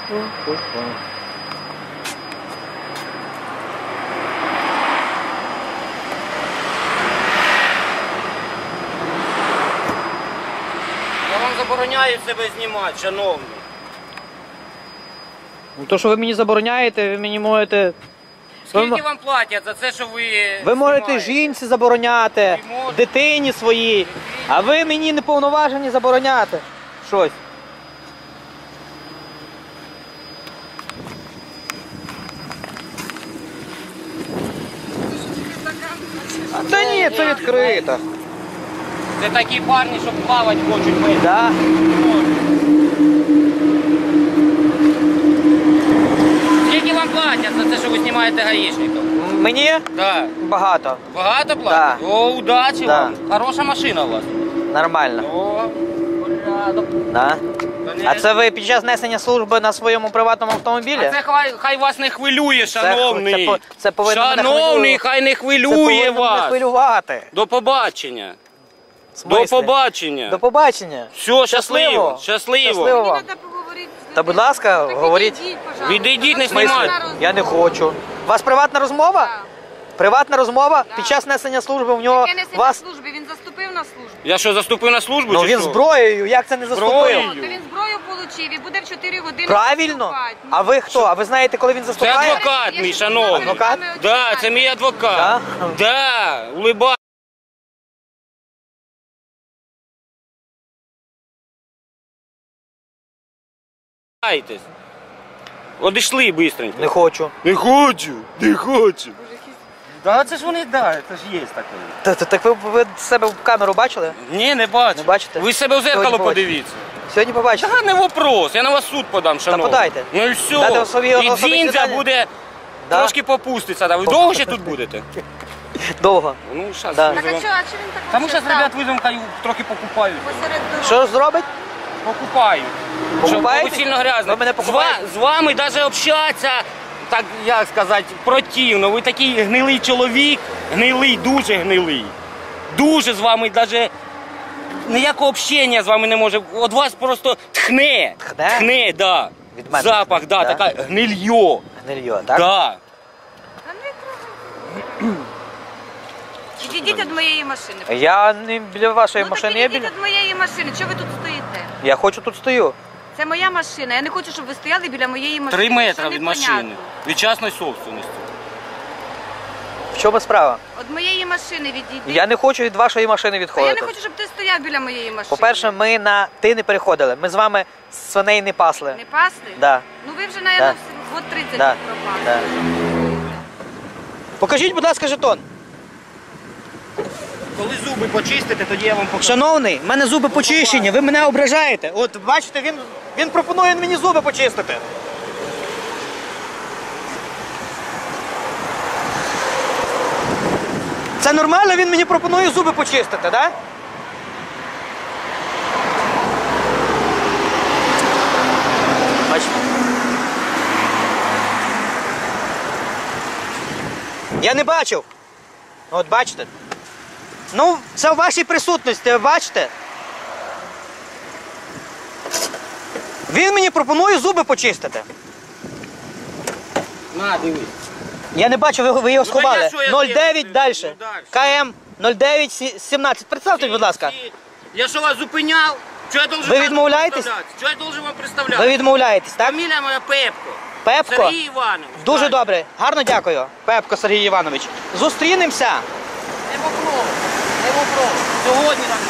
Я вам забороняю себе знімати, шановний. Ну то, що ви мені забороняєте, ви мені можете... Скільки вам платять за це, що ви Ви можете жінці забороняти, дитині своїй, а ви мені не повноважені забороняти щось. Та ні, це відкрито. Це такі парні, що плавати хочуть. Да. Скільки вам платять за те, що ви знімаєте гаїшників? Мені? Да. Багато. Багато платять? Да. О, удачі Да. вам. Хороша машина у вас. Нормально. О, порядок. Да. А це ви під час несення служби на своєму приватному автомобілі? А це хай вас не хвилює, шановний. Це повинно мене Шановний, хай не Це хвилює повинно мене вас. хвилювати. До побачення. В смислі? До побачення. До побачення. Все, щасливо. Щасливо Щасливо. вам. Та будь ласка, говоріть. Відійдіть, не В смислі? знімайте. Я не хочу. У вас приватна розмова? Приватна розмова? Під час несення служби в нього Яке несе на вас... службі? Він заступив на службу. Я що, заступив на службу? Ну чи він що? зброєю, як це не заступив? Зброєю? То він зброю отримав і буде в 4 години Правильно. заступати. А ви хто? А ви знаєте, коли він Це заступає? адвокат мій, шановний. Адвокат? Да, це мій адвокат. Да? Да, улибайтесь. Одійшли бистренько. Не хочу. Не хочу, не хочу. Да, це ж вони, да, це ж є таке. Так ви себе в камеру бачили? Ні, не бачу. Не бачите? Ви себе в зеркало Сьогодні побачите. подивіться. Сьогодні побачите. Та не вопрос, я на вас суд подам, шановний. подайте. Ну і Дайте все. собі І особисті дзіндзя дані. буде Да. трошки попуститься. Да. Ви довго ще тут будете? Довго. Ну, зараз Да. Так а що він так Тому вообще зараз ребят став? визовемо, хай трохи покупають. Посеред дороги. Що зробить? Покупають. Покупаєте? Щоб сильно грязно. Ви мене покупаєте? З вами навіть общатися, так як сказати, противно. Ви такий гнилий чоловік, гнилий, дуже гнилий. Дуже з вами навіть ніякого общення з вами не може. От вас просто тхне. Тхне? Тхне, да. Від мене Запах, тхне, да, да? така гнильо. Гнильо, так? Да. Та не трогай. Відійдіть від моєї машини. Я не біля вашої Ну так машини, я відійдіть біля... від моєї машини. Чого ви тут стоїте? Я хочу тут стою. Це моя машина. Я не хочу, щоб ви стояли біля моєї машини. 3 метри Що від непонятно? машини. Від частної собственності. В чому справа? Від моєї машини відійдіть. Я не хочу від вашої машини А я не відходити. хочу, щоб ти стояв біля моєї машини. По-перше, ми на ти не переходили. Ми з вами свиней не пасли. Не пасти? Да. Ну ви вже, наверное, Да. год 30 Да. пропали. Да. Покажіть, будь ласка, жетон. Коли зуби почистите, тоді я вам покажу. Шановний, в мене зуби почищені, ви мене ображаєте. От бачите, він пропонує мені зуби почистити. Це нормально, він мені пропонує зуби почистити, так? Да? Бачите? Я не бачив. От бачите? Ну, це в вашій присутності, ви бачите? Він мені пропонує зуби почистити. На, дивись. Я не бачу, ви його сховали. я що, я 09 далі. ну, дальше. КМ 0917. Представте, будь ласка. Я що вас зупиняв? Що я должен Ви вам відмовляєтесь? представляти? Що я должен вам представляти? Ви відмовляєтесь, так? Фамілія моя Пепко. Пепко? Сергій Іванович. Дуже Так. добре. Гарно дякую. Пепко Сергій Іванович. Зустрінемося. Не вопрос. Не вопрос. Сьогодні так